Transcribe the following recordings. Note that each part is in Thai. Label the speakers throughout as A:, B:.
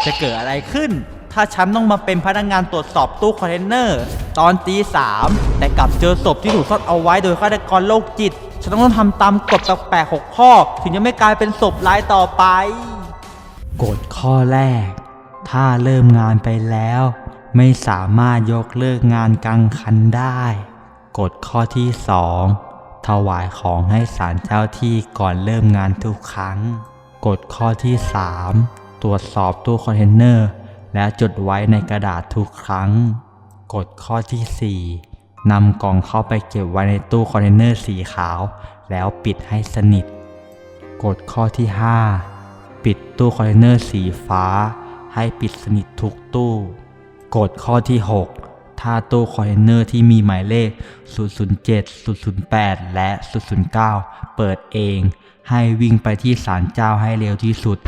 A: จะเกิดอะไรขึ้นถ้าฉันต้องมาเป็นพนักงานตรวจสอบตู้คอนเทนเนอร์ตอนตี 3แต่กลับเจอศพที่ถูกซ่อนเอาไว้โดยฆาตกรโรคจิตฉันต้องทำตามกฎแปลกๆ6 ข้อถึงจะไม่กลายเป็นศพรายต่อไปกฎข้อแรกถ้าเริ่มงานไปแล้วไม่สามารถยกเลิกงานกลางคันได้กฎข้อที่ 2ถวายของให้ศาลเจ้าที่ก่อนเริ่มงานทุกครั้งกฎข้อที่ 3ตรวจสอบตู้คอนเทนเนอร์และจดไว้ในกระดาษทุกครั้งกฎข้อที่ 4นำกล่องเข้าไปเก็บไว้ในตู้คอนเทนเนอร์สีขาวแล้วปิดให้สนิทกฎข้อที่ 5ปิดตู้คอนเทนเนอร์สีฟ้าให้ปิดสนิททุกตู้กฎข้อที่ 6ถ้าตู้คอนเทนเนอร์ที่มีหมายเลข 007 008 และ 009 เปิดเองให้วิ่งไปที่ศาลเจ้าให้เร็วที่สุด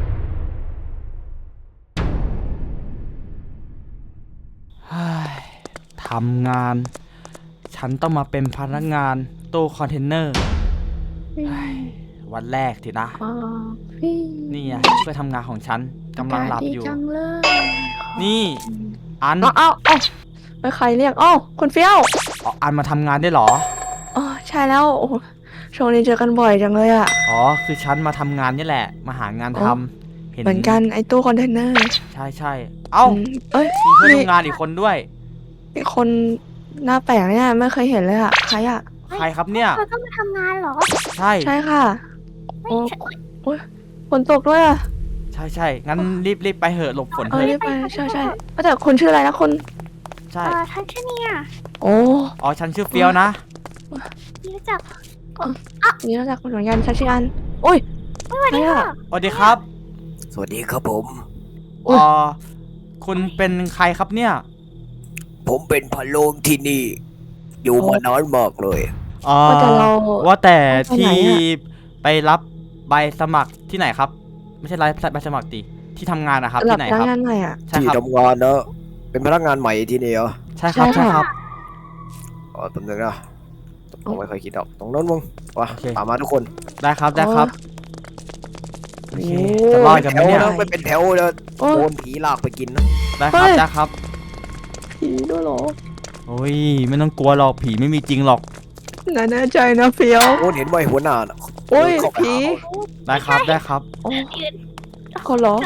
A: ทำงานฉันต้องมาเป็นพนักงานตู้คอนเทนเนอร์วันแรกทีนะนี่ไงเพื่อทำงานของฉันกำลังหลับอยู่นี่อัน
B: เอ้าไม่ใครเรียกคุณเฟี้ยว
A: อันมาทำงานได้เหรอ
B: อ๋อใช่แล้วโอ้ช่วงนี้เจอกันบ่อยจังเลยอ่ะ
A: คือฉันมาทำงานนี่แหละมาหางานทำ
B: เหมือนกันไอ้ตู้คอนเทนเนอร์
A: ใช่เอ้ามีเพื่อนทำงานอีกคนด้วย
B: อีกคนหน้าแปลกเนี่ยไม่เคยเห็นเลยอ่ะใคร
A: ครับเนี่ย
C: เขาต้องมาทำงานเหรอ
A: ใช่
B: ค่ะโอ้ยฝนตกด้วยอ่ะ
A: ใช่งั้นรีบไปเหอะหลบฝนเถอะ
B: รีบไปใช่แต่คุณชื่ออะไรนะคุณ
A: ใช่
C: ฉันชื่อเนี่ย
A: ฉันชื่อเฟี้ยวนะ
C: นี่รู้จัก
B: นี่รู้จักคุณเหมือนกันชัชยันโอ้ย
C: สวัสดีค่ะ
A: สวัสดีครับ
D: สวัสดีครับผม
A: คุณเป็นใครครับเนี่ย
D: ผมเป็นพะโล้งที่นี่อยู่มานานมากเลย
A: ว่าแต่ที่ไปรับใบสมัครที่ไหนครับไม่ใช่ใบสมัครที่ทำงานนะครับที่ไหนครับ
D: ที่ทำงานนะเป็นพนักงานใหม่ที่นี่เหรอ
A: ใช่ครับ
D: ตำแหน่งนะผมไม่เคยคิดออกตรงนั้นมึงวะตามมาทุกคน
A: ได้ครับโอเคจะรอดกันไหมเนี่ย
D: ไม่เป็นแถวเลยโดนผีลากไปกินนะ
A: ได้ครับ
B: ผีด้วยหรอ
A: โอ้ยไม่ต้องกลัวหรอกผีไม่มีจริงหรอก
B: แน่ใจนะเฟี้ยว
D: เห็นไหมหัวหน้า
B: โอ้ยผี
A: ได้ครับ
B: คนเหรอ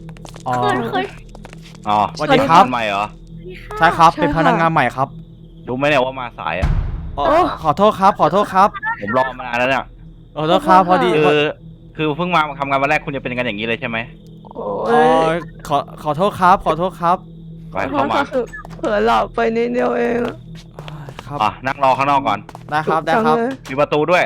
A: สวัสดีครับใหม่เหรอใช่ครับเป็นพนักงานใหม่ครับ
E: รู้ไหมเนี่ยว่ามาสายอ่ะ
A: ขอโทษครับ
E: ผมรอมานานแล้วเนี่ย
A: ขอโทษครับพอดี
E: คือเพิ่งมาทำงานวันแรกคุณจะเป็นกันอย่างนี้เลยใช่ไหม
A: ขอโทษครับ
E: ไปเข้ามา
B: เผลอหลับไปนิดเดียวเอง
A: ครับ
E: นั่งรอข้างนอกก่อน
A: ได้ครับ
E: มีประตูด้วย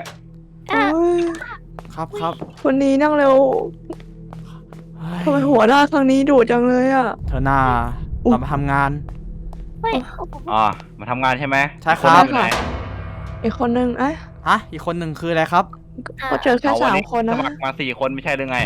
A: ครับ
B: วันนี้นั่งเร็วทำไมหัวหน้าครั้งนี้ดุจังเลยอ่ะ
A: เธอหน้าเรามาทำงาน
E: มาทำงานใช่ไหม
A: ใช่ครับ
B: อีกคนนึง
A: อีกคนหนึ่งคืออะไรครับ
B: ก็เจอแค่3 คนนะ
E: สมัครมา4 คนไม่ใช่หรือไง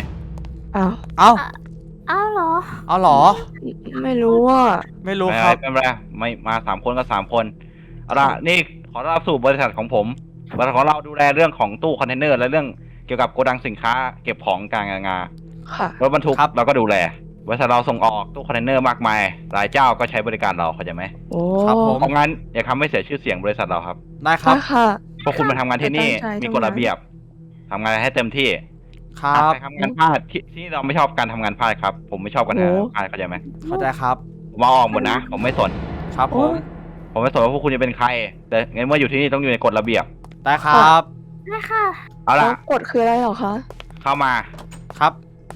C: เอาเหร
A: อ
B: ไม่รู้ว่า
A: ไม่รู้ครับ
E: ไม่มา3 คนก็3 คนเอาล่ะนี่ขอต้อนรับสู่บริษัทของผมบริษัทของเราดูแลเรื่องของตู้คอนเทนเนอร์และเรื่องเกี่ยวกับโกดังสินค้าเก็บของกลางงารถบรรทุกเราก็ดูแลบริษัทเราส่งออกตู้คอนเทนเนอร์มากมายหลายเจ้าก็ใช้บริการเราเข้าใจไหม
A: ครับผม
E: เพราะงั้นอย่าทำให้เสียชื่อเสียงบริษัทเราครับ
A: ได้ครับ
E: พวกคุณมาทำงานที่นี่มีกฎระเบียบทำงานให้เต็มที่
A: ครับ
E: ทำงานพลาดที่เราไม่ชอบการทำงานพลาดครับผมไม่ชอบการทำงานพลาดเข้าใจไหม
A: เข้าใจครับ
E: ผมมาออกหมดนะผมไม่สน
A: ครับ
E: ผมไม่สนว่าพวกคุณจะเป็นใครแต่งั้นเมื่ออยู่ที่นี่ต้องอยู่ในกฎระเบียบ
A: ได้ครับ
C: ได้ค่ะ
E: เอาล่ะ
B: กฎคืออะไรหรอคะ
E: เข้ามา
A: ครับ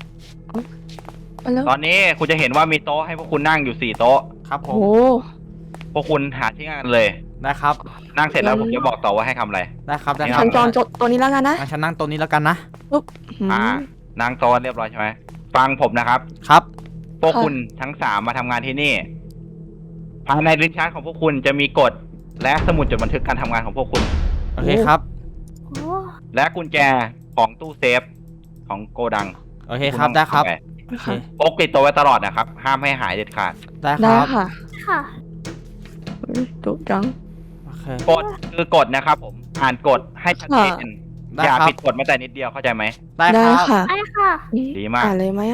E: ตอนนี้คุณจะเห็นว่ามีโต๊ะให้พวกคุณนั่งอยู่4 โต๊ะ
A: ครับผม
E: พวกคุณหาที่นั่งกันเลย
A: นะครับ
E: นั่งเสร็จแล้วผมจะบอกต่อว่าให้ทำอะไร
A: ได้ครับ
B: ฉันจองตัวนี้แล้วกันนะ
A: ฉันนั่งตัวนี้แล้วกันนะ
E: นั่งโต๊ะเรียบร้อยใช่ไหมฟังผมนะครับ
A: ครับ
E: พวกคุณทั้ง3มาทำงานที่นี่ภายในลิ้นชักของพวกคุณจะมีกฎและสมุดจดบันทึกการทำงานของพวกคุณ
A: โอเคครับ
E: และกุญแจของตู้เซฟของโกดัง
A: โอเคครับได้ครับ
E: พกติดตัวไว้ตลอดนะครับห้ามให้หายเด็ดขาด
A: ได้ครับ
C: ค่ะ
B: ถูกจัง
E: กฎคือกฎนะครับผมอ่านกฎให้ชัดเจนอย่าผิดกฎแม้แต่นิดเดียวเข้าใจไหม
A: ได้ค่ะ
C: ได้ค่ะ
E: ดีมาก
B: อ่านเลยไหม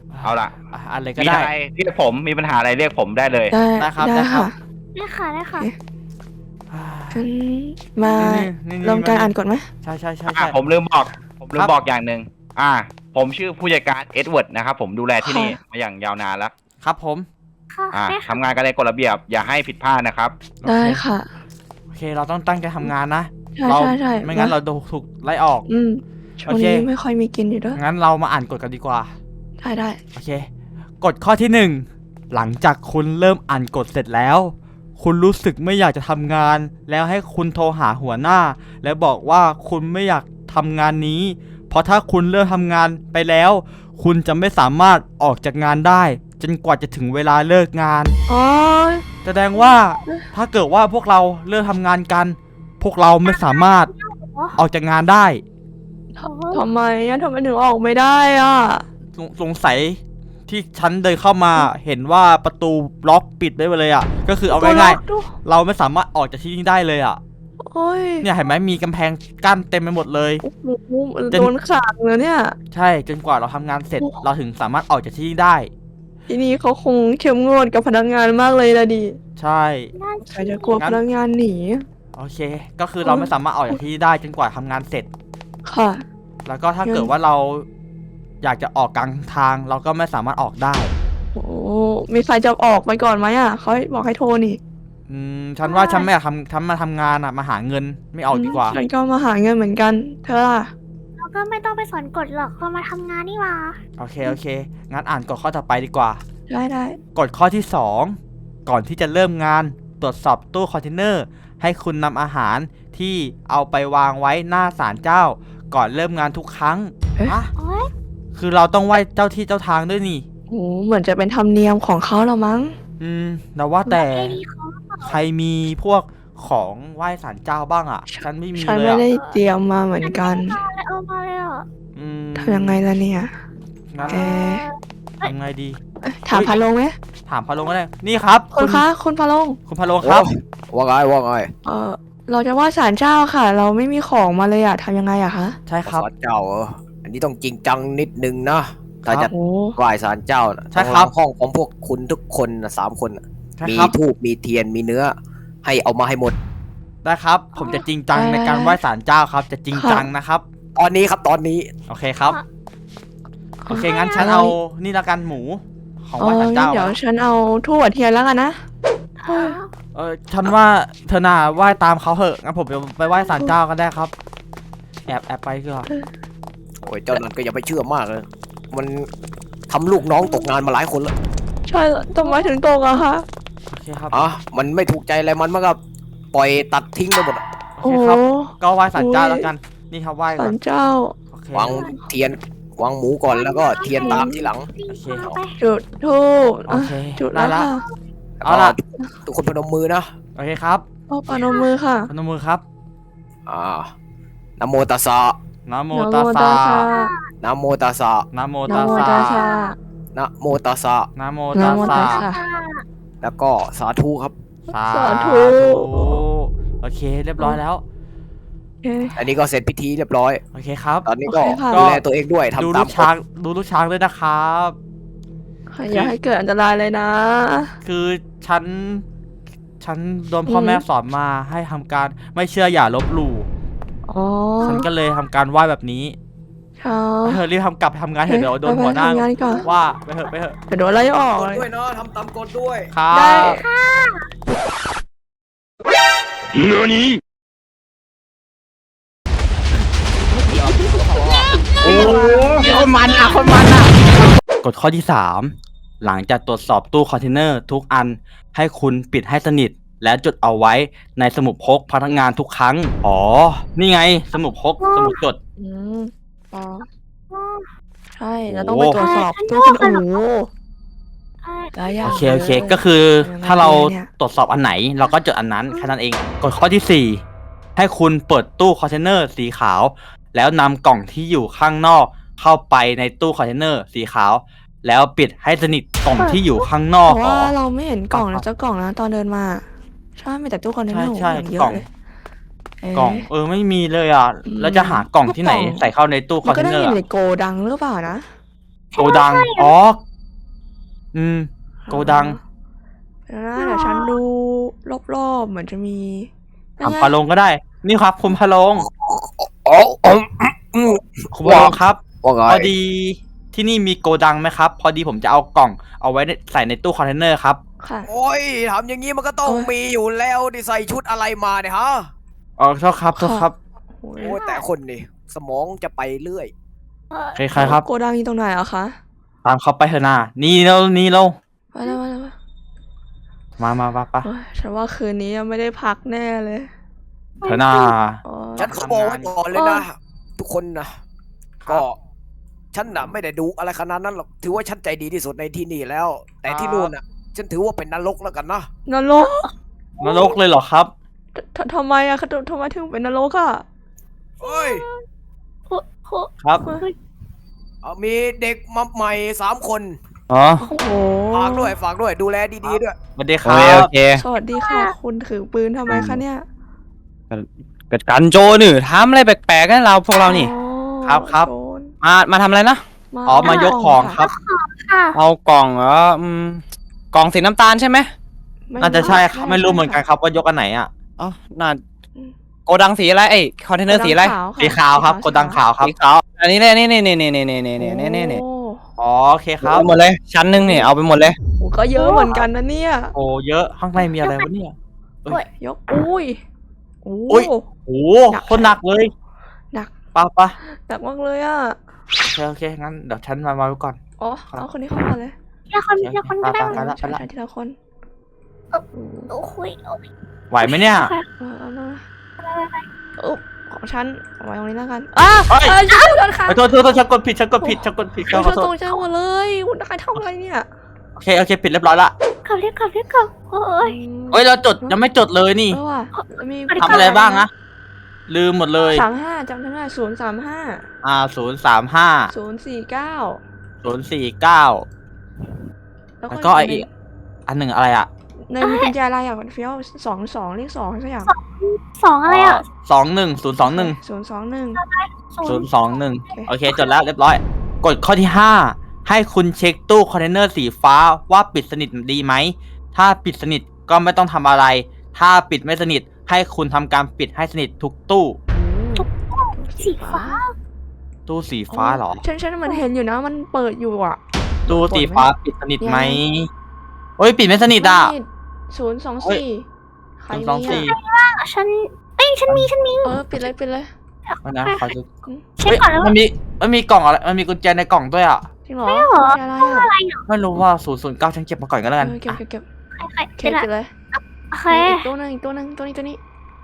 E: เอาล่ะ
A: อะไรก็
E: มี
A: ได้
E: อะไรเรียกผมมีปัญหาอะไรเรียกผมได้เลย
B: ได้
A: ได้ครับ
B: ได้
A: ได้ครับ
B: ค่ะ
C: ได้ค่ะ
B: ฉันมา
A: นี่
B: ลงการอ่านกฎไหม
A: ใช่ใช่ใช่
E: อ่ะ
A: ใช่
E: ผมลืมบอกอย่างหนึ่งผมชื่อผู้จัดการเอ็ดเวิร์ดนะครับผมดูแลที่นี่มาอย่างยาวนานแล้ว
A: ครับผม
C: ค่ะได้ค่ะ
E: ทำงานกันในกฎระเบียบอย่าให้ผิดพลาดนะครับ
B: ได้ค่ะ
A: โอเค เราต้องตั้งใจทำงานนะ
B: ใช่
A: เรา
B: ใช่
A: ไม่งั้นเราถูกไล่ออก
B: ช่วงนี้ไม่ค่อยมีกินอยู่ด้วย
A: งั้นเรามาอ่านกฎกันดีกว่า
B: ได้
A: โอเค กฎข้อที่ 1 หลังจากคุณเริ่มอ่านกฎเสร็จแล้ว คุณรู้สึกไม่อยากจะทำงาน แล้วให้คุณโทรหาหัวหน้า แล้วบอกว่าคุณไม่อยากทำงานนี้ เพราะถ้าคุณเริ่มทำงานไปแล้ว คุณจะไม่สามารถออกจากงานได้ จนกว่าจะถึงเวลาเลิกงาน
B: อ๋อ
A: แสดงว่าถ้าเกิดว่าพวกเราเริ่มทำงานกัน พวกเราไม่สามารถออกจากงานได้
B: ทำไมทำไมถึงออกไม่ได้อ่ะ
A: สงสัยที่ฉันเดินเข้ามาเห็นว่าประตูล็อกปิดได้เลยอ่ะ ก็คือเอาง่ายๆเราไม่สามารถออกจากที่นี่ได้เลยอ่ะ
B: โอ้ย
A: เนี่ยเห็นไหมมีกำแพงกั้นเต็มไปหมดเลย
B: โอ้โหโดนขังเลยเนี่ย
A: ใช่จนกว่าเราทำงานเสร็จเราถึงสามารถออกจากที่นี่ได้
B: ที่นี่เขาคงเข้มงวดกับพนักงานมากเลยละดิ
A: ใช่
B: ใครจะกลัวพนักงานหนี
A: โอเค ก็คือเราไม่สามารถออกจากที่นี่ได้จนกว่าทำงานเสร็จ
B: ค่ะ
A: แล้วก็ถ้าเกิดว่าเราอยากจะออกกลางทาง เราก็ไม่สามารถออกได้
B: โอ้มีใครจะออกไปก่อนไหมอ่ะเขาบอกให้โทรนี่
A: ฉันว่าฉันไม่อยากฉันมาทำงานอ่ะมาหาเงินไม่ออกดีกว่า
B: ฉันก็มาหาเงินเหมือนกัน เธอล่ะ
C: เราก็ไม่ต้องไปสนกฎหรอกเรามาทำงานนี่หว่า
A: โอเคโอเคงั้นอ่านกฎข้อต่อไปดีกว่า
B: ได้
A: กฎข้อที่ 2 ก่อนที่จะเริ่มงานตรวจสอบตู้คอนเทนเนอร์ ให้คุณนำอาหารที่เอาไปวางไว้หน้าศาลเจ้า ก่อนเริ่มงานทุกครั้งอะ
C: โอ๊ย
A: คือเราต้องไหว้เจ้าที่เจ้าทางด้วยนี่
B: โอ้เหมือนจะเป็นธรรมเนียมของเขาแล้วมั้ง
A: แต่ว่าแต่
C: ไอ้นี่เขาหรือเปล่า
A: ใครมีพวกของไหว้ศาลเจ้าบ้างอ่ะ ฉันไม่มี
B: ฉัน
A: เลย
B: ไม่
A: อ่ะ
B: ได้เตรียมมาเหมือนกัน
C: เอามาเลยอ่ะ
B: ทำยังไงล่ะเนี่ย
A: งั้น
B: เอ๊ะ
A: ทำไงดี
B: ถามพาลงไหม
A: ถามพะโลงก็ได้นี่ครับ
B: คุณคะคุณพาลง
A: คุณพะโลงครับ
D: ว่าไง
B: เราจะว่าศาลเจ้าค่ะ เราไม่มีของมาเลยอะทำยังไงอะคะ
A: ใช่ครับ
D: ศาลเจ้าอันนี้ต้องจริงจังนิดนึงนะถ้าจะ
B: โอ้
D: ไหว้ศาลเจ้านะ
A: ใช่ครับ
D: ห้องของพวกคุณทุกคนนะ3 คนน่ะ
A: ใช่
D: มี
A: ครับ
D: ธูปมีเทียนมีเนื้อ ให้เอามาให้หมด
A: ได้ครับ ผมจะจริงจังในการไหว้ศาลเจ้าครับ จะจริงจังนะครับ
D: ตอนนี้ครับตอนนี้
A: โอเคครับ โอเคงั้นฉันเอานี่ละกันหมูของไหว้ศาล
B: งั้
A: เจ้าน
B: เดี๋ยวฉันเอาทั่วเทียนแล้วกันนะ
A: ฉันว่าเธอน่าไหว้ตามเขาเหอะงั้นผมไปไหว้ศาลเจ้าก็ได้ครับ แอบไปก็
D: โอ้ยเจ้านั่นก็อย่าไปเชื่อมากเลยมันทำลูกน้องตกงานมาหลายคนแล้ว
B: ใช่ทำไมถึงตกอะคะ
A: โอเคครับ
D: มันไม่ถูกใจอะไรมันก็ปล่อยตัดทิ้งไปหมดอะ
A: โอเคครับ ก็ไหว้ศาลเจ้าแล้วกัน นี่ครับไหว้ก่
B: ศา
A: อน
B: ลเจ้า
A: โอเค
D: วางเทียนวางหมูก่อนแล้วก็เทียนตามทีหลัง
A: โอเค
C: เอาไป
B: จุดทูบ
A: โอเค
B: จุด
A: ได้
B: แล้ว
A: ละ
B: ค่ะ
A: เอาล่ะ
D: ทุกคนพนมมือนะ
A: โอเคครับ
B: เอาปานมมือค่ะ
A: พนมมือครับ
D: นะโมตัสสะ
A: นะโม
B: นะ
A: ตัส
B: โม
A: สะ
B: ตัสสะ
D: นะโมตัสสะ
A: นะโม
B: นะ
A: ตัส
B: โม
A: สะ
B: ตัสสะ
D: นะโมตัสสะ
A: นะโม
B: นะ
A: ตัส
B: โม
A: สะ
B: ตัสสะ
D: แล้วก็สาธุครับ
A: สาธุโอเคเรียบร้อยแล้ว
B: โอเค
D: อันนี้ก็เสร็จพิธีเรียบร้อย
A: โอเคครับ
D: ตอนนี้ก็
B: โอเคค่ะ
D: ดูแลตัวเองด้วย
A: ดู
D: ทำตา
A: ลู
D: ม
A: กช้างดูลูกช้างด้วยนะครับ
B: อย่าให้เกิดอันตรายเลยนะ
A: คือฉันโดนพ่อแม่สอนมาให้ทำการไม่เชื่ออย่าลบหลู่
B: อ๋อ
A: ฉันก็เลยทำการไหว้แบบนี้
B: ค่ะ
A: ไปเถอะรีบทำงานเถอะเดี๋ยวโดนหัวหน้า
B: ไปทำงานก่อน
A: ว่าไปเถอะ
B: เดี๋ยวโดนไล่ออก
D: กฎ
B: เลย
D: ด้วยนะทำตามกฎด้วย
A: ครั
B: ได้
A: บ
E: โอ้โห
A: คนมันอ่ะกฎข้อที่ 3 หลังจากตรวจสอบตู้คอนเทนเนอร์ทุกอันให้คุณปิดให้สนิท และจดเอาไว้ในสมุดพกพนักงานทุกครั้ง อ๋อ นี่ไงสมุดพกสมุดจด
B: อืมอ๋อ
C: อ๋อ
B: ใช่แล้วต้องไปตรวจสอบตู้คนโอ้โห
C: ใช่
B: หลายอย่าง
A: โอเค
B: ลย
A: ก็คือ
B: ยังไง
A: ถ้าเรา
B: เนี่ย
A: ตรวจสอบอันไหน เราก็จดอันนั้นแค่นั้นเองกฎข้อที่ 4 ให้คุณเปิดตู้คอนเทนเนอร์สีขาว แล้วนำกล่องที่อยู่ข้างนอก เข้าไปในตู้คอนเทนเนอร์สีขาว แล้วปิดให้สนิทกล่องที่อยู่ข้างนอก
B: เพราะว่าเราไม่เห็นกล่องนะเจ้ากล่องนะตอนเดินมาใช่มีแต่ตู้คอนเทนเนอร์
A: ใช่
B: อย่างเย
A: กล่
B: อะ
A: อง
B: เลยเ
A: กล่องไม่มีเลยอ่ะ
B: อืม
A: แล้วจะหากล่องที่ไหน
B: กล่อง
A: ใส่เข้าในตู้ค
B: มั
A: อน น
B: ก็
A: เทน
B: ได้
A: เนอ
B: อ
A: ร์
B: ยู่ในโกดังหรือเปล่านะ
A: โกดัง อ๋อ โกดัง
B: เดี๋ยวฉันดูรอบๆเหมือนจะมี
A: ถามพาลงก็ได้ นี่ครับคุณพาลง
D: อ๋อ
A: คุณพาลงครับ
D: ว่าไง
A: พอดีที่นี่มีโกดังไหมครับ พอดีผมจะเอากล่องเอาไว้ใส่ในตู้คอนเทนเนอร์ครับ
B: ค่ะ
D: โอ้ยทำอย่างนี้มันก็ต้อง
B: โอ้ย
D: มีอยู่แล้วดิใส่ชุดอะไรมาเนี่ยฮะ
A: อ๋อโทษครับโทษครับ
B: โอ้ย
D: โอ้ยแต่คนนี่สมองจะไปเรื่อย
A: ใครๆครับ
B: โกดังอยู่ตรงไหนอะคะ
A: ตามเขาไปเถอะนานี่เรา
B: มาแล้ว
A: มาปะ
B: โอ้ยฉันว่าคืนนี้ยังไม่ได้พักแน่เลย
A: เถอะนา
B: โอ้ย
D: ฉันขอบอกไว้ก่อนเลยนะ ทุกคนนะก็ฉันน่ะไม่ได้ดูอะไรขนาดนั้นหรอกถือว่าฉันใจดีที่สุดในที่นี่แล้ว แต่ที่นู่นน่ะ ฉันถือว่าเป็นนรกแล้วกันนะ
B: นรก
A: นรกเลยเหรอครับ
B: ทำไมอะทำไมถึงเป็นนรกอะ
D: เฮ้ย
A: ครับ
D: มีเด็กมาใหม่3 คน
A: อ๋อ
B: โอ้โห
D: ฝากด้วยดูแลดีๆด้วย
A: สวัสดีค
E: โอ
A: รับ
E: เค
B: สวัสดีค่ะ คุณถือปืนทำไมคะเนี่ย
E: เกิดการโจรนี่ทำอะไรแปลกๆกันเราพวกเรานี่
B: อ๋อ
A: ครับ
B: โจร
E: มาทำอะไรนะ
A: อ๋อ มายกของครับ
C: ค่ะ
E: เอากล่องกล่องสีน้ำตาลใช่ไหม
B: ไม่
A: น่าจะใช่ครับ ไม่รู้เหมือนกันครับว่ายกอันไหนอ่ะ
E: อ๋อน่าโกดังสีอะไรคอนเทนเนอร์สีอะไร
A: สีขาวครับโกดังขาวครับ
E: สีขาวอันนี้เลยนี่
B: โอ้
A: อ๋อ โอเคครับ
E: เอาไปหมดเลยชั้นหนึ่งนี่เอาไปหมดเลย
B: โหก็เยอะเหมือนกันนะเนี่ย
A: โอ้ เยอะ ข้างในมีอะไรวะเนี่ย
B: ยกอุ้ยโอ้
A: อุ๊ย โอ้คนหนักเลย
B: หนัก
A: ปะ
B: หนักมากเลยอ่ะ
A: โอเค งั้นเดี๋ยวฉันมาไว้ก่อน
B: อ๋อเอาคนนี้เข้ามาเลย
C: ทีละคนก็ได้
A: ไปละ
B: ใช่ทีละคน
C: โอ้ย
A: ไหวไหมเนี่ย
B: เอามาอุ๊บของฉันเอาไว้ตรงนี้แล้วกันช่วยกันค่ะ
A: โทษฉันกดผิดขอ
B: ช่วย
A: โทษ
B: ตรงใจหมดเลยคุณนายทำอะไรเนี่ย
A: โอเคผิดเรียบร้อยละ
C: ขับโอ้ย
A: เฮ้ย เรายังไม่จดเลยนี่
B: เออว่ะมี
A: ทำอะไรบ้างนะ ลืมหมดเลย
B: 35จำได้035
A: 035
B: 049
A: 049 แล้วก็อีกอันหนึ่งอะไรอ่ะ
B: ในมีกุญแจอะไรอ่ะเฟี้ยว22เลข2สักอย่าง
C: 2อะไรอ่ะ
A: 021
B: 021
A: โอเค จดแล้วเรียบร้อย กฎข้อที่ 5 ให้คุณเช็คตู้คอนเทนเนอร์สีฟ้าว่าปิดสนิทดีไหม ถ้าปิดสนิทก็ไม่ต้องทำอะไร ถ้าปิดไม่สนิทให้คุณทำการปิดให้สนิททุกตู้
C: สีฟ้า
A: ตู้สีฟ้าเหรอ
B: ฉันเหมือนเห็นอยู่นะมันเปิดอยู่อ่ะ
A: ตู้สีฟ้าปิดสนิทไหมเฮ้ย ปิดไม่สนิทอ่ะ
B: 024ใครมี
A: 024
B: อ่ะ
C: ฉันฉันมี
B: ปิดเลย
A: นะขอดู
C: เช็คก่อนแล้ว
A: มันมีกล่องอะไร มันมีกุญแจในกล่องด้วยอ่ะ
B: จริงเหรอกุญแจอะไรอ่ะ
A: ไม่รู้ว่า 009 ฉันเก็บมาก่อนก็แล้วกัน
B: เก็บ
A: อ่ะ
B: เก็บ
C: ใคร
B: เก็บเลย
C: โอเค
B: อีกตัวหนึงตัวนี้
A: ตัวนี้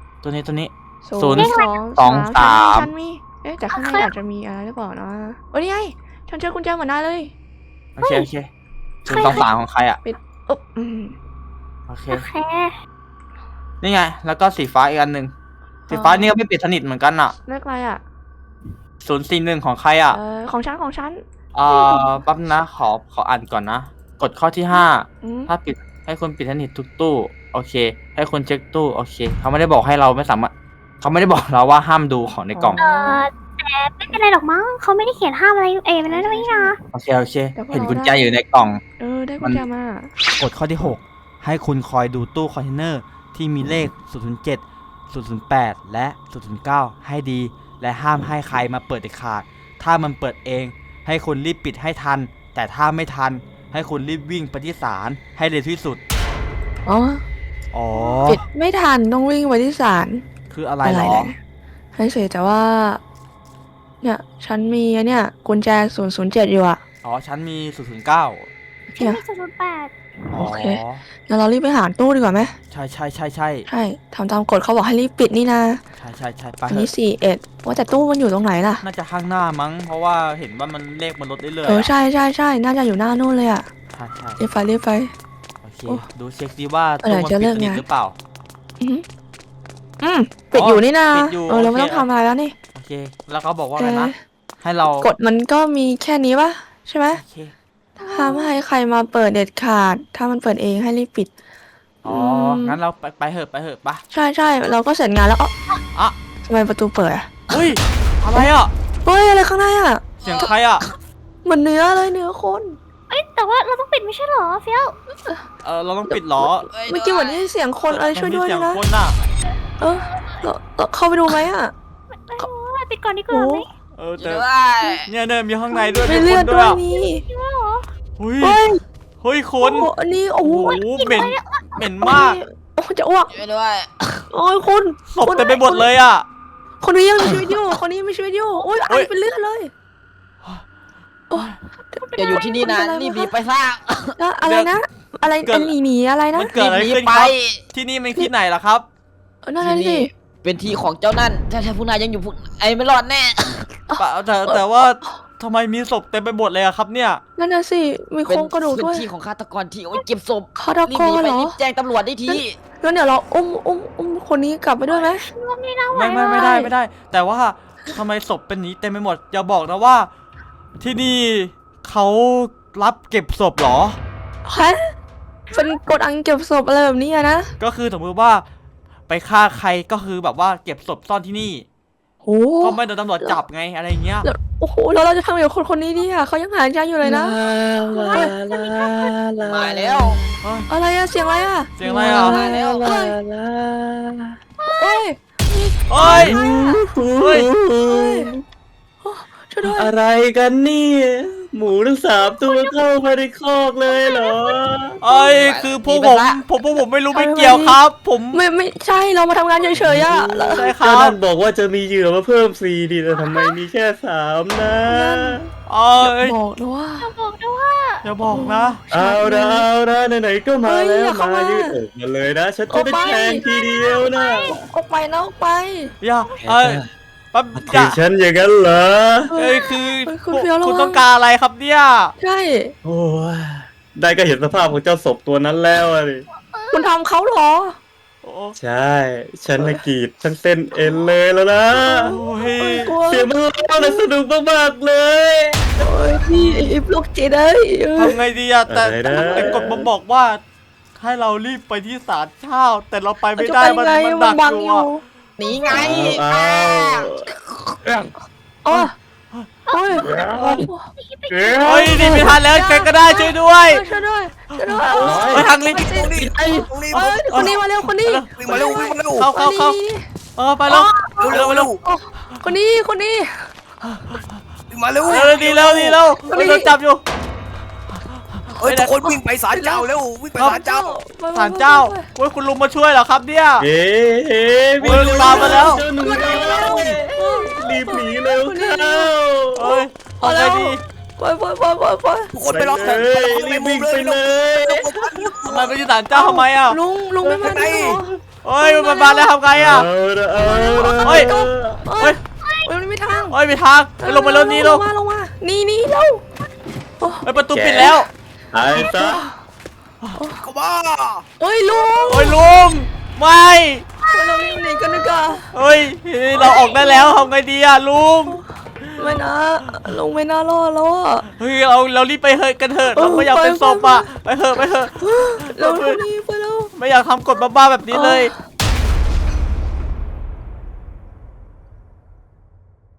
B: ฉันมีแต่ข้างในอาจจะมีอะไรหรือเปล่านะโอ้ยนี่ไงฉันเจอกุญแจเหมือนนายเลย
A: โอเค023ของใครอ่ะ
B: อุ๊บ
A: โอเค
C: โอเค
A: นี่ไง แล้วก็สีฟ้าอีกอันหนึ่งสีฟ้านี่ก็ไม่ปิดสนิทเหมือนกันอ่ะ
B: เลขอะไรอ่ะ
A: 041ของใครอ่ะ
B: ของฉัน
A: แป๊บนะขออ่านก่อนนะ กฎข้อที่ 5 ถ้าปิดให้คุณปิดสนิททุกตู้ โอเค ให้คุณเช็คตู้ โอเค เขาไม่ได้บอกให้เราไม่สามารถเขาไม่ได้บอกเราว่าห้ามดูของในกล่อง
C: แต่ไม่เป็นไรหรอกมั้งเขาไม่ได้เขียนห้ามอะไรมันนั่นไม่นะ
A: โอเค เห็นกุญแจอยู่ในกล่อง
B: ได้กุญแจมาก
A: ฎข้อที่ 6 ให้คุณคอยดูตู้คอนเทนเนอร์ที่มีเลข 007 008 และ 009 ให้ดี และห้ามให้ใครมาเปิดเด็ดขาด ถ้ามันเปิดเอง ให้คุณรีบปิดให้ทัน แต่ถ้าไม่ทัน ให้คุณรีบวิ่งไปที่ศาลให้เร็วที่สุด อ๋อ
B: ปิดไม่ทันต้องวิ่งไปที่ศาล
A: คืออะไรเหรอ
B: ให้เสียแต่ว่าเนี่ยฉันมีเนี่ยกุญแจ007อยู่อ่ะ
A: อ๋อ ฉันมี 009
C: ฉันมี008
A: อ๋อ
B: โอเค งั้นเรารีบไปหาตู้ดีกว่าไหม
A: ใช่
B: ใช่ทำตามกฎเขาบอกให้รีบปิดนี่นะ
A: ใช่ไป
B: อัน
A: เถ
B: นี้
A: อะ
B: 41ว่าแต่ตู้มันอยู่ตรงไหนล่ะ
A: น่าจะข้างหน้ามั้ง เพราะว่าเห็นว่ามันเลขมันลดเรื่อยๆ
B: ใช่น่าจะอยู่หน้านู่นเลยอ่ะ
A: ใช่
B: รีบไป
A: โอเค
B: โอ้
A: ดูเช็คดีว่า
B: เมื่อไหร่
A: ตู้มัน
B: จะเลิ
A: ปิด
B: ก
A: สนิท
B: งาน
A: หรือเปล่า
B: ปิดอยู่นี่นะ
A: ปิดอยู่
B: เรา
A: โอเค
B: ไม่ต้องทำอะไรแล้วนี่
A: โอเค แล้วเขาบอกว่าอะไรนะ ให้เรา
B: กฎมันก็มีแค่นี้ปะใช่ไหม
A: โอเค
B: ห้ามให้ใครมาเปิดเด็ดขาด ถ้ามันเปิดเองให้รีบปิด
A: อ๋อ งั้นเราไปเหอะปะ
B: ใช่เราก็เสร็จงานแล้ว
A: อ่ะ
B: อ๋อทำไมประตูเปิดอ่ะ
A: อุ้ย อะไรอ่ะ
B: เฮ้ยอะไรข้างในอ่ะ
A: เสียงใครอ่ะ
B: มมือนเนื้อเลยเนื้อคน
C: เอ้ยแต่ว่าเราต้องปิดไม่ใช่เหรอเฟี้ยว
A: เราต้องปิดเหรอ
B: เมื่อกี้เหมือนได้ยินเสียงคนอะไรช่วยด้วย
A: มันมีเสีง
B: นะ
A: คนน่ะ
B: เออเราเข้าไปดูไหมอ่ะ
C: ไม่รู้ว่าปิดก่อนดีกว่าไหม
A: แต่เนี่ยมีข้างในด้วย
B: มี
A: มี
B: เลื
A: ค
B: อด
A: น
B: ด้
A: ด้
B: ว
A: วย ย
B: มี
C: คิดว่าเหรอ
A: เฮ้ย
B: เฮ้ย
A: เฮ้ยค
B: โอ้
A: น
B: โหอันนี้โอ้โห
A: โอ้โหเหม็นมาก
B: โอ้จะอ้วก
D: ช่วยด้วย
B: โอ้ยคุณ
A: ศพเต็มไปหมดเลยอ่ะ
B: คนนี้ยังมีชีวิตอยู่คนนี้ยังมีชีวิตอยู่โอ้ยไอเป็นเลือดเลยโอ้ย
F: อย่าอยู่ที่นี่นะรีบหนีไปซะ
B: แล้วอะไรนะ อะไรอันหนีอะไรนะ
A: มันเกิดอะไร
F: รีบหนี
A: ขึ้น
F: ไป
A: ครับที่นี่มันที่ไหนล่ะครับ
B: นั่น
F: ที่
B: น่ะสิ
F: นี่เป็นที่ของเจ้านั่นถ้าพวกนายยังอยู่พวกไอ้ไม่รอดแน่
A: แต่ว่าทำไมมีศพเต็มไปหมดเลยอะครับเนี่ย
B: นั่นน่ะสิมีโค
F: เป็น
B: รงกระดูก
F: พื้น
B: ด้วย
F: ที่ของฆาตกรที่เอาไว้เก็บศพ
B: ฆาต
F: รีบ
B: ก
F: หนี
B: ร
F: ไป
B: เหรอ
F: รีบแจ้งตำรวจได้ที
B: งั้นเดี๋ยวเราอุ้มคนนี้กลับไปด้วยไหม
C: ว่าไม่น่าไหว
A: ไม่ได้ แต่ว่าทำไมศพเป็นนี้เต็มไปหมดอย่าบอกนะว่า ที่นี่เขารับเก็บศพเหรอ
B: ฮะเป็นกดอังเก็บศพอะไรแบบนี้อะนะ
A: ก็คือสมมติว่าไปฆ่าใครก็คือแบบว่าเก็บศพซ่อนที่นี่
B: โอ้
A: ก็ไม่โดนตำรวจจับไงอะไรเงี้ย
B: แล้วโอ้โหแล้วเราจะทำอย่างคนนี้ดีอะเขายังหายใจอยู่เลยนะ
F: มาแล้ว
B: อะไรอะเสียงอะไรอะ
A: เสียงอะไรอ่ะ
F: มาแล้ว
B: เอ้ย
A: เฮ้ยเฮ้ย
B: ช่วยด้วย
G: อะไรกันเนี่ยหมูทั้ง3 ตัวเข้ามาในคอกเลยเหรอ
A: เอ้ยคือพวกผมไม่รู้ไม่เกี่ยวครับ ผม
B: ไม่ใช่เรามาทำงานเฉยๆอะแล้ว
A: ใช่ค
G: เจ้า
A: รับ
G: นั่นบอกว่าจะมีเหยื่อมาเพิ่ม4 ดีแต่ทำไมมีแค่3นะ
A: เอ้ย
B: บอกนะว่า
C: บอกด้วยว่า
A: อย่าบอกนะ
G: เอาละไหนๆก็มา
B: เฮ้ย
G: แล้ว
B: อย่าเข้า
G: มา
B: มายื
G: ยืดอกมาเลยนะฉันจะได้แทงทีเดียวนะ
B: ออกไปนะออกไป
A: อย่าเอ้ยแป๊บอ
G: คือย่
A: า
G: ฉันอย่างนั้นเหรอ
A: เอ้ยคือ
B: คุณเฟี้ยวระวัง
A: คุณต้องการอะไรครับเนี่ย
B: ใช่
G: โอ้ยได้ก็เห็นสภาพของเจ้าศพตัวนั้นแล้วอะดิ
B: คุณทำเขาเหรอ
A: โอ้
G: ใช่ฉันละกรีดฉันเส้นเอ็นเลยแล้วนะ
A: ย
B: กลัว
G: เสียงมันร้องและสนุกมากๆเลย
B: โอ้ยพี่ไอ้พวกจีนเอ้ย
A: ทำไงดีอะแต่
G: อะไรนะ
A: แต่กฎมันบอกว่า ให้เรารีบไปที่ศาลเช่าแต่เราไปไม่ได้
B: จะ
A: มัน
B: ไง
A: ดัก
B: บัง
A: อยู่
B: อยู่
A: อะ
F: หนีไง
G: เอา
B: อ๋อโอ้ย
A: เฮ้ยนี่ไม่ทันแล้วใครก็ได้ช่วยด้วย
B: ช่วยด้วยช่วยด้วย
A: ไปทางลิฟต์
D: ตรงนี้ตรงนี้
B: เอ้ยคนนี้มาเร็วคนนี้
D: วิ่งมาเร็ววิ่งมาเร็ว
A: เข้าไปแล้ว
D: เร็วเร็ว
B: โอ้คนนี้คนนี้
D: วิ่งมาเร็ว
A: ดีแล้วโดนจับอยู่
D: เฮ้ยทุกคนวิ่งไปศาลเจ้าเร็ววิ่งไปศาลเจ้า
A: ศาลเจ้าโอ้ยคุณลุงมาช่วยเหรอครับเนี่ย
G: เอ๊ะ
A: โอ้ยตามมาแล้ว
G: เจ้าหนูรีบหนีเร็วเข้า
A: เอ้ยเอาไงดี
B: ไป
D: ทุกคนไปรอ
G: ไปเลยรีบวิ่งไปเลย
A: ทำไมไปที่ศาลเจ้าทำไมอ่ะ
B: ลุงไม่มาด้วยเหรอ
A: เอ้ยมันมาแล้วทำไงอ่ะ
G: เอาละเอาละ
A: เฮ้ย
B: เฮ้ยมันไม่ทาง
A: เอ้ยไปทางไปลงมาเร็วนี่ลง
B: ลงมานี่เร็ว
A: เอ้ยประตูปิดแล้ว
G: หายซะ
D: เข้ามา
B: เฮ้ยลุง
A: โอ้ยลุงไม่
B: เรารีบหนีกันดีกว่า
A: เฮ้ยเราออกได้แล้วทำไงดีอ่ะลุง
B: ไม่นะลุงไม่น่ารอดแล้วอ่ะ
A: เฮ้ยเรารีบไปเถอะกันเถอะเราไม่อยากเป็นศพอ่ะไปเถอะ
B: เรารีบไปแล้ว
A: ไม่อยากทำกฎบ้าๆแบบนี้เลย
B: เ